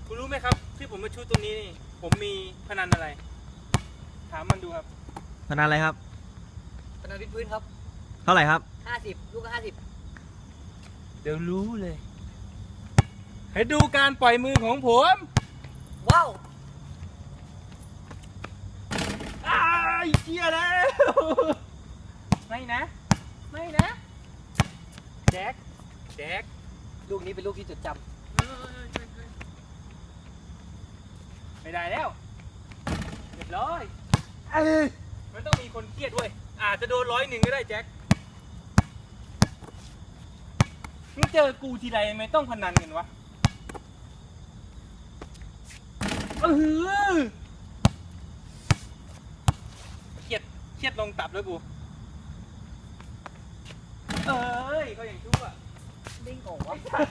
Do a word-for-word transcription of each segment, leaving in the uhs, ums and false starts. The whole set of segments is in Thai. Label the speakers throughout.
Speaker 1: คุณรู้ไหมครับที่ผมมาชูตรงนี้นี่ผมมีพนันอะไรถามมันดูครับ
Speaker 2: พนันอะไรครับ
Speaker 3: พนันวิดพื้นครับ
Speaker 2: เท่าไหร่ครับ
Speaker 3: ห้าสิบลูกก็ห้าสิบ
Speaker 1: เดี๋ยวรู้เลยให้ดูการปล่อยมือของผม
Speaker 3: ว้าว
Speaker 1: อ้ายเชี่ยแล้วไม่นะไม่นะแจ็คแจ็ค
Speaker 3: ลูกนี้เป็นลูกที่จดจำ
Speaker 1: ไม่ได้แล้วเรียบร้อยมันต้องมีคนเครียดด้วยอาจจะโดนร้อยหนึ่งก็ได้แจ็คมึงเจอกูทีไรไม่ต้องพนันกันวะเออเครียดเครียดลงตับแล้วกูเอ้ยเขาอย่างชั่ว
Speaker 3: ดิ้งโง่วะ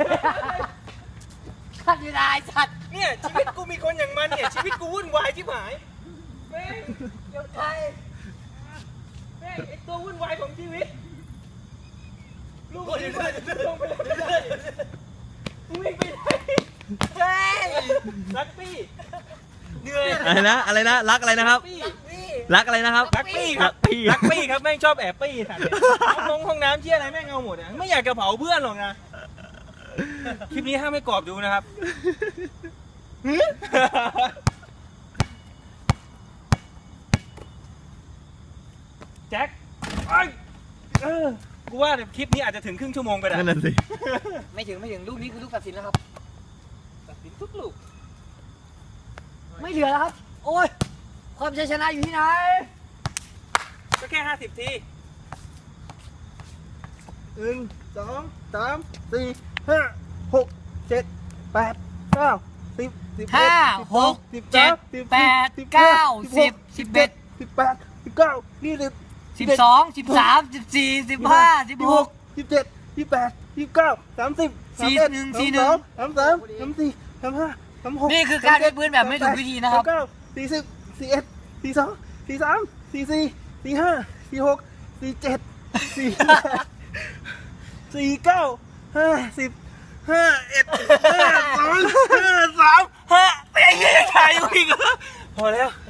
Speaker 3: ขัดอยู่ได้สัตว์
Speaker 1: เนี่ยชีวิตกูมีคนอย่างมันเนี่ยชีวิตกูวุ่นวายชิบหายแม่ง
Speaker 3: เดี๋ยวไทย
Speaker 1: แม่งไอตัววุ่นวายของชีวิตลูกคนนี้ลงไปเลยมึงวิ่งไปไหนเฮ้ยรักปี้เหนื่อย
Speaker 2: อะไรนะอะไรนะรักอะไรนะครับรักอะไรนะครับ
Speaker 1: รักปี้ครับรักปี้ครับแม่งชอบแอบปี้ถ่ายห้องห้องน้ำเชี่ยอะไรแม่งเอาหมดอ่ะไม่อยากจะเผาเพื่อนหรอกนะคลิปนี้ห้ามไม่กรอบดูนะครับแจ็คเออกูว่าคลิปนี้อาจจะถึงครึ่งชั่วโมงไปแล้ว
Speaker 2: นั่นสิ
Speaker 3: ไม่ถึงไม่ถึงลูกนี้คือลูกตัดสินแล้วครับ
Speaker 1: ตัดสินทุกลูก
Speaker 3: ไม่เหลือแล้วครับโอ้ยความชัยชนะอยู่ที่ไหน
Speaker 1: ก็แค่ห้าสิบที
Speaker 4: หนึ่งสองสามสี่ห้าหกเจ็ดแปดเก้าสิบสิบเอ็ด
Speaker 3: ห้าหกเจ็ดแปดเก้าสิบสิบเอ็ด
Speaker 4: สิบแปดสิบเก้ายี่สิบ
Speaker 3: สิบสองสิบสามสิบสี่สิบห้าสิบหก
Speaker 4: สิบเจ็ดสิบแปดสิบเก้าสามสิบ
Speaker 3: สี่หนึ่งสี่หนึ่ง
Speaker 4: สามสามสามสี่สามห้าสามหก
Speaker 3: นี่คือการวิดพื้นแบบไม่ถูกวิธีนะครับ
Speaker 4: เก้าสี่สิบสี่เอ็ดสี่สองสี่สามสี่สี่สี่ห้าสี่หกสี่เจ็ดสี่สี่เก้าห้าสิบห้าเอ็ดห้าสองห้าสามห้า
Speaker 1: เฮ้ยถ่ายอยู่อีกพอแล้ว